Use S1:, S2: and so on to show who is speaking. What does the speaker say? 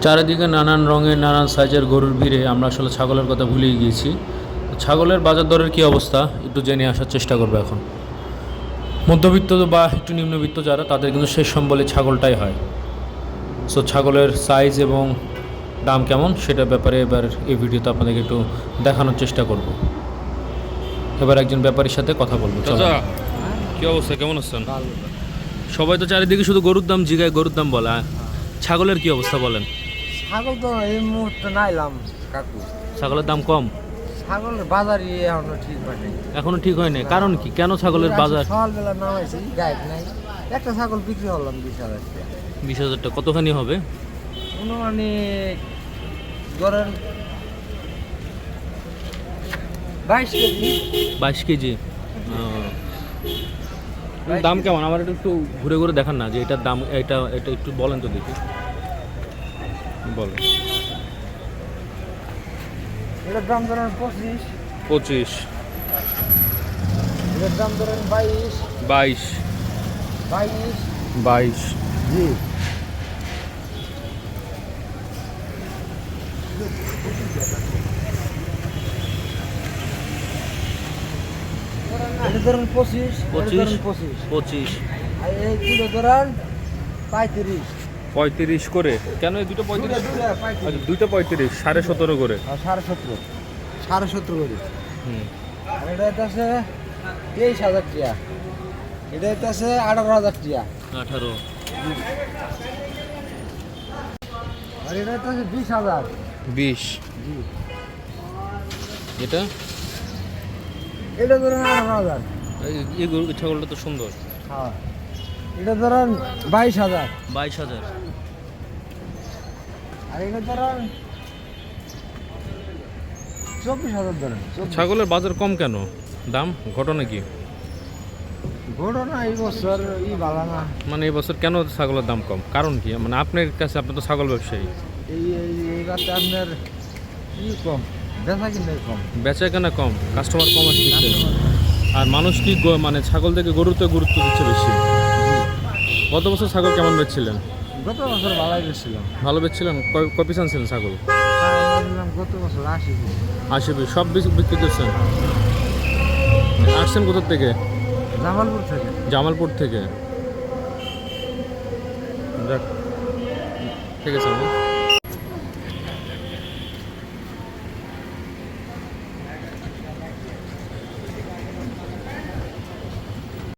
S1: চারিদিকে নানান রঙের নানান সাইজের গরুর ভিড়ে আমরা আসলে ছাগলের কথা ভুলেই গিয়েছি। ছাগলের বাজার দরের কী অবস্থা একটু জেনে আসার চেষ্টা করবো এখন। মধ্যবিত্ত বা একটু নিম্নবিত্ত যারা, তাদের কিন্তু শেষ সম্বলে ছাগলটাই হয়। সো ছাগলের সাইজ এবং দাম কেমন সেটার ব্যাপারে এবার এই ভিডিওতে আপনাদেরকে একটু দেখানোর চেষ্টা করব। এবার একজন ব্যাপারীর সাথে কথা বলবো। চাচা, কী অবস্থা, কেমন আছেন? সবাই তো চারিদিকে শুধু গরুর দাম জিগায়, গরুর দাম বলা। ছাগলের কি অবস্থা বলেন?
S2: ছাগল তো এই মুহূর্তে নাইলাম কাকু।
S1: ছাগলের দাম কম?
S2: ছাগলের বাজারই এখনো ঠিক হয়নি।
S1: এখনো ঠিক হয়নি, কারণ কি? কেন ছাগলের বাজার?
S2: সকালবেলা নামাইছি, গাইড নাই। একটা ছাগল বিক্রি হলাম 20,000 টাকা।
S1: 20,000 টাকা কতখানি হবে?
S2: অনুমানিক ধরেন 22 কেজি।
S1: 22 কেজি। দাম কেমন? আমার একটু ঘুরে ঘুরে দেখান না যে এটার দাম, এটা এটা একটু বলেন তো দেখি। বলেন।
S2: এটার দাম ধরেন 25।
S1: 25।
S2: এটার দাম ধরেন 22।
S1: 22।
S2: 22।
S1: 22।
S2: জি। এটা ধরেন 25।
S1: 25।
S2: 25।
S1: 25।
S2: আর এই দুটো ধরেন 35।
S1: 35 করে? কেন এই দুটো 35? আচ্ছা, দুইটা 35, 17.5 করে।
S2: 17.5। 17.5 করে।
S1: হুম।
S2: আর এটা আছে 23,000 টাকা। এটা আছে 18,000 টাকা।
S1: 18।
S2: আর এটা আছে 20,000।
S1: 20।
S2: জি।
S1: এটা
S2: এটা ধরেন 18,000।
S1: এই গরু ছাগলটা তো সুন্দর।
S2: হ্যাঁ। এটা ধরেন 22,000।
S1: 22,000।
S2: আর এটা ধরেন 24,000 ধরেন।
S1: ছাগলের বাজার কম কেন? দাম ঘটনা কি?
S2: ঘটনা এই বছর ভালো না।
S1: মানে এই বছর কেন ছাগলের দাম কম? কারণ কি? মানে আপনার কাছে, আপনি তো ছাগল ব্যবসায়ী।
S2: এইবারটা আপনার কম, বেচা কিনে কম।
S1: বেচা কেনা কম, কাস্টমার কম আসছে। আর মানুষ কি মানে ছাগল থেকে গরুতে গুরুত্ব দিচ্ছে বেশি। গত বছর ছাগল কেমন বেচছিলেন?
S2: গত বছর ভালোই বেচছিলাম।
S1: ভালো বেচছিলেন? কয় পিস আনছিলেন ছাগল?
S2: গত বছর 80 পিস।
S1: 80 পিস সব বিক্রি করছেন? আসছেন কোথার থেকে?
S2: জামালপুর থেকে।
S1: জামালপুর থেকে। যাক, ঠিক আছে।